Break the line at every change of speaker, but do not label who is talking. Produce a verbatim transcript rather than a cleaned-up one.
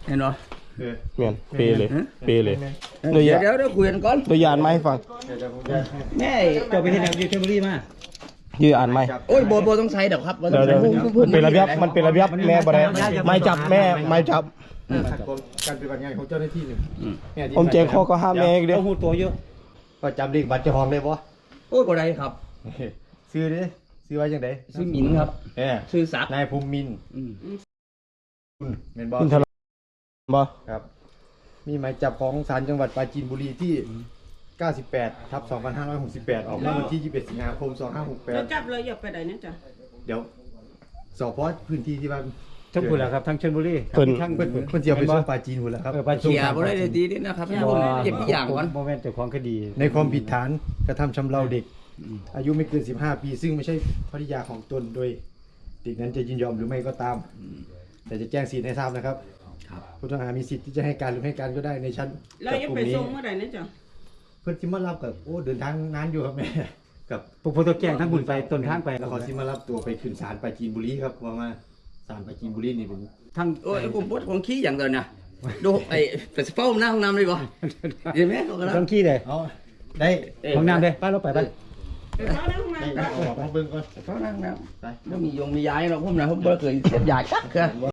เห็นบ่
เมียนเปเลยเปเลย
เดี๋ยวเดี๋ยวเดี๋ยวคุยกันก่อน
ตัวยานมาให้ฟัง
แม่
เจ้าไปที่ไหนอยู่เทมบุรีมา
ยื้ออ่านไหม
โอ้ยโบโบต้องใช้เดี๋ยวครับ
เดี๋ยวเดี๋ยวเป็นระเบียบมันเป็นระเบียบแม่บ่ได้ไม่จับแม่ไม่จับ
การปฏิบัติงานของเจ้าหน้าที่หนึ่ง
ผมแจ้งข้อก็ห้ามแม่เดียว
เอาหูตัวเยอะ
ก็จำเลขบัตรเจ้าของได้ปะ
โอ้ยบ่ได้ครับ
ซื้อดิซื้อไว้ยังไง
ชื่อหมินครับ
เออ
ชื่อศักดิ์
นายภูมิมิน
อืม
คุณเมนบอล
คุณทะเลาะบ่
ครับ มีหมายจับของศาลจังหวัดปราจีนบุรีที่ เก้าสิบแปด ทับ สองพันห้าร้อยหกสิบแปด ออกเมื่อวันที่ ยี่สิบเอ็ด สิงหาคม สองพันห้าร้อยหกสิบแปด
เราจับเลยอย่าไปไหนนะจ๊ะ
เดี๋ยวสอบเพราะพื้นที่ที่บ้าน
ทั้งคุณแหละครับทั้งชลบุรี
เพิ่น
ทั้ง
เพิ่นเพิ่นเสียไปส่งปราจีนหมดแล้วครับ
เออไป
เขียบ่ได้เลยดีนี่นะครับให้ผมเก็บอีกอย่างก่อน
โมเมนต์เจ้าของคดี
ในความผิดฐานกระทำชำเราเด็ก อายุไม่เกิน สิบห้า ปี ซึ่งไม่ใช่ภริยาของตนโดยเด็กนั้นจะยินยอมหรือไม่ก็ตาม แต่จะแจ้งสิทธิ์ให้ทราบนะครับ ผู้ต้องหามีสิทธิ์ที่จะให้การหรือไม่ให้การก็ได้ในชั้น
เรา
จับ
อย่าก
ลุ่
ไป
มนี้
ส่งเมื่อไหร่นะจ๊ะ
เพื่อนที่มารับกับโอ้เดินทางนานอยู่ครับแม่ กับ
พวกพวกตัวแจ้งทั้งบุญไปต้นทางไป
แล้วเขาที่มารับตัวไปขึ้นศาลปราจีนบุรีครับว่ามาศาลปราจีนบุรีนี่เป็น
ทั้ง
โอ้ยผมปวดของขี้อย่างเดียวนะดูไอ้แต่สเป้าหน้าห้องน้ำเลยบ่เห็นไหมเขากำลัง
ทั้งขี้เลย
เอาได้
ห้องน้ำเลยป้าเราไปไป
ไปเข้าในห้อง
ได้
น้ำ
เอาออกมาเบิ่งก่อน
เขานั่งน้ำแล้วมียงมียายเราผมนะผมบ่เคยเสียบยาจักคือ